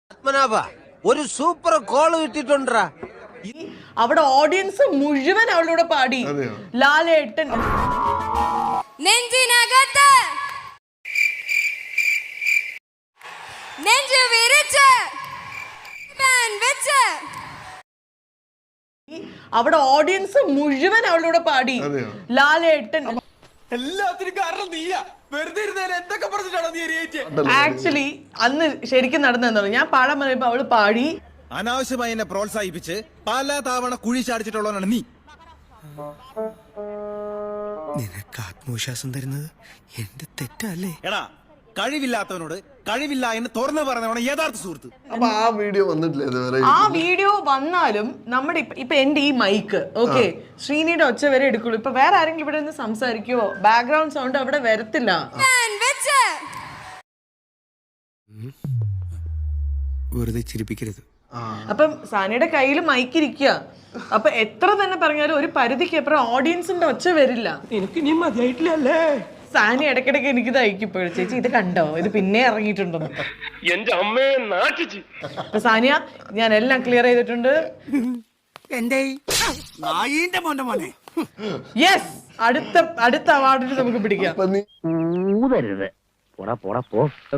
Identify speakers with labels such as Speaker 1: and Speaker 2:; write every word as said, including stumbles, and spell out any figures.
Speaker 1: പത്മനാഭ ഒരു super call കിട്ടിട്ടുണ്ടാ.
Speaker 2: അവിടെ audience മുഴുവൻ അവളോട് പാടി. ലാലേട്ടൻ
Speaker 3: നെഞ്ചിനകത്ത് നെഞ്ചു വിരിച്ച് ഫാൻ വെച്ച്
Speaker 2: അവിടെ ഓഡിയൻസ് മുഴുവൻ അവളോട് പാടി. ലാലേട്ടൻ
Speaker 4: എല്ലാത്തിനും കാരണം നീയാ. വെറുതെ ഇരുന്നേരം എന്തൊക്കെ പറഞ്ഞിട്ടാണോ നീ എരിയേറ്റ്?
Speaker 2: ആക്ച്വലി അന്ന് ശരിക്കും നടന്നെന്നുള്ളു. ഞാൻ പാടാൻ പറയുമ്പോ അവള് പാടി.
Speaker 5: അനാവശ്യമായി എന്നെ പ്രോത്സാഹിപ്പിച്ച് പല തവണ കുഴി ചാടിച്ചിട്ടുള്ളവനാണ് നീ.
Speaker 6: നിനക്ക് ആത്മവിശ്വാസം തരുന്നത് എന്റെ തെറ്റല്ലേ?
Speaker 5: എടാ, കഴിവില്ലാത്തവനോട് കഴിവില്ല എന്ന് തുറന്നു പറഞ്ഞവണ് യഥാർത്ഥ സുഹൃത്ത്.
Speaker 7: അപ്പൊ ആ വീഡിയോ വന്നിട്ടില്ല ഇതുവരെ.
Speaker 2: ആ വീഡിയോ വന്നാലും നമ്മുടെ ഇപ്പ- ഇപ്പൊ എന്റെ ഈ മൈക്ക് ഓക്കെ ശ്രീനിയുടെ ഒച്ച വരെ എടുക്കുള്ളൂ. ഇപ്പൊ വേറെ ആരെങ്കിലും ഇവിടെ നിന്ന് സംസാരിക്കുവോ ബാക്ക്ഗ്രൗണ്ട് സൗണ്ട് അവിടെ വരത്തില്ല.
Speaker 3: ഫാൻ വെച്ച്
Speaker 6: വെറുതെ ചിരിപ്പിക്കരുത്.
Speaker 2: അപ്പം സാനിയുടെ കയ്യിൽ മൈക്ക് ഇരിക്കുക. അപ്പൊ എത്ര തന്നെ പറഞ്ഞാലും ഒരു പരിധിക്ക് അപ്പുറം ഓഡിയൻസിന്റെ ഒച്ച വരില്ല.
Speaker 4: എനിക്ക് നീ മതിയായിട്ടില്ലല്ലേ?
Speaker 2: സാനി ഇടയ്ക്കിടയ്ക്ക് എനിക്ക് തയ്ക്കിപ്പോഴും ചേച്ചി ഇത് കണ്ടോ, ഇത് പിന്നെ ഇറങ്ങിയിട്ടുണ്ടെന്ന്.
Speaker 4: എന്റെ അമ്മയെ നാട്ടിച്ച്.
Speaker 2: അപ്പൊ സാനിയ ഞാൻ എല്ലാം ക്ലിയർ ചെയ്തിട്ടുണ്ട്.
Speaker 6: എന്റെ നായിന്റെ മോന്റെ മോനെ
Speaker 2: യെസ്, അടുത്ത അടുത്ത അവാർഡിന് നമുക്ക് പിടിക്കാം.
Speaker 7: അപ്പൊ നീ
Speaker 8: ഊതരുത്. പോടാ പോടാ പോ.